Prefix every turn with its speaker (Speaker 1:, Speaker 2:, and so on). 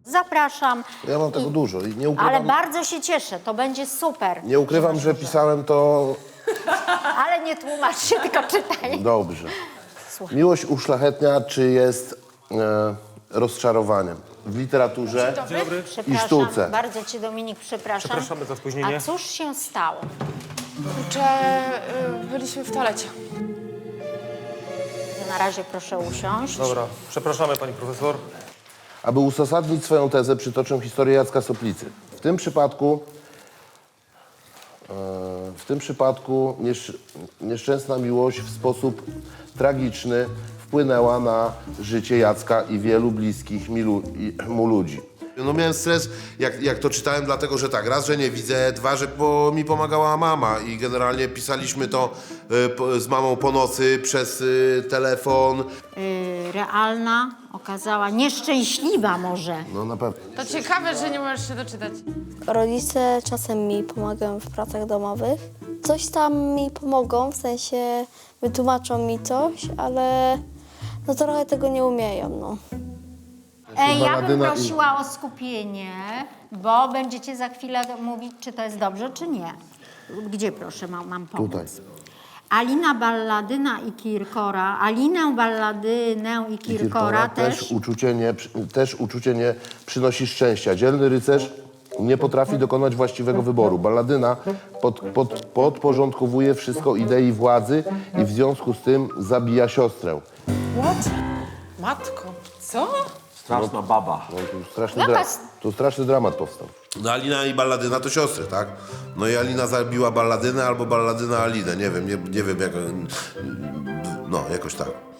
Speaker 1: Zapraszam.
Speaker 2: Ja mam tego dużo i nie
Speaker 1: Ale
Speaker 2: ukrywam,
Speaker 1: bardzo się cieszę, to będzie super.
Speaker 2: nie ukrywam, że pisałem to
Speaker 1: Ale nie tłumacz się, tylko czytaj.
Speaker 2: dobrze.
Speaker 1: Słuchaj.
Speaker 2: Miłość uszlachetnia, czy jest rozczarowaniem w literaturze i
Speaker 1: Przepraszam,
Speaker 2: sztuce?
Speaker 1: bardzo cię Dominik przepraszam.
Speaker 3: Przepraszamy za spóźnienie.
Speaker 1: A cóż się stało?
Speaker 4: Kurczę, byliśmy w toalecie.
Speaker 1: Na razie proszę usiąść.
Speaker 3: Dobra, przepraszamy pani profesor.
Speaker 2: Aby uzasadnić swoją tezę, przytoczę historię Jacka Soplicy. W tym przypadku nieszczęsna miłość w sposób tragiczny wpłynęła na życie Jacka i wielu bliskich mu ludzi.
Speaker 5: No miałem stres, jak to czytałem, dlatego że tak, raz, że nie widzę, dwa, że mi pomagała mama i generalnie pisaliśmy to z mamą po nocy przez telefon.
Speaker 1: Realna okazała, nieszczęśliwa może.
Speaker 2: No na pewno.
Speaker 4: To ciekawe, że nie możesz się doczytać.
Speaker 6: Rodzice czasem mi pomagają w pracach domowych. Coś tam mi pomogą, w sensie wytłumaczą mi coś, ale no trochę tego nie umieją, no.
Speaker 1: Ja bym
Speaker 2: Balladyna i-
Speaker 1: prosiła o skupienie, bo będziecie za chwilę mówić, czy to jest dobrze, czy nie. Gdzie proszę, mam pomóc?
Speaker 2: Tutaj.
Speaker 1: Alinę Balladynę i Kirkora
Speaker 2: też uczucie nie przynosi szczęścia. Dzielny rycerz nie potrafi dokonać właściwego wyboru. Balladyna podporządkowuje wszystko idei władzy i w związku z tym zabija siostrę.
Speaker 4: What? Matko, co?
Speaker 3: Straszna baba.
Speaker 2: No, tu straszny dramat powstał.
Speaker 5: No Alina i Balladyna to siostry, tak? No i Alina zabiła Balladynę albo Balladyna Alinę, nie wiem jak... No, jakoś tak.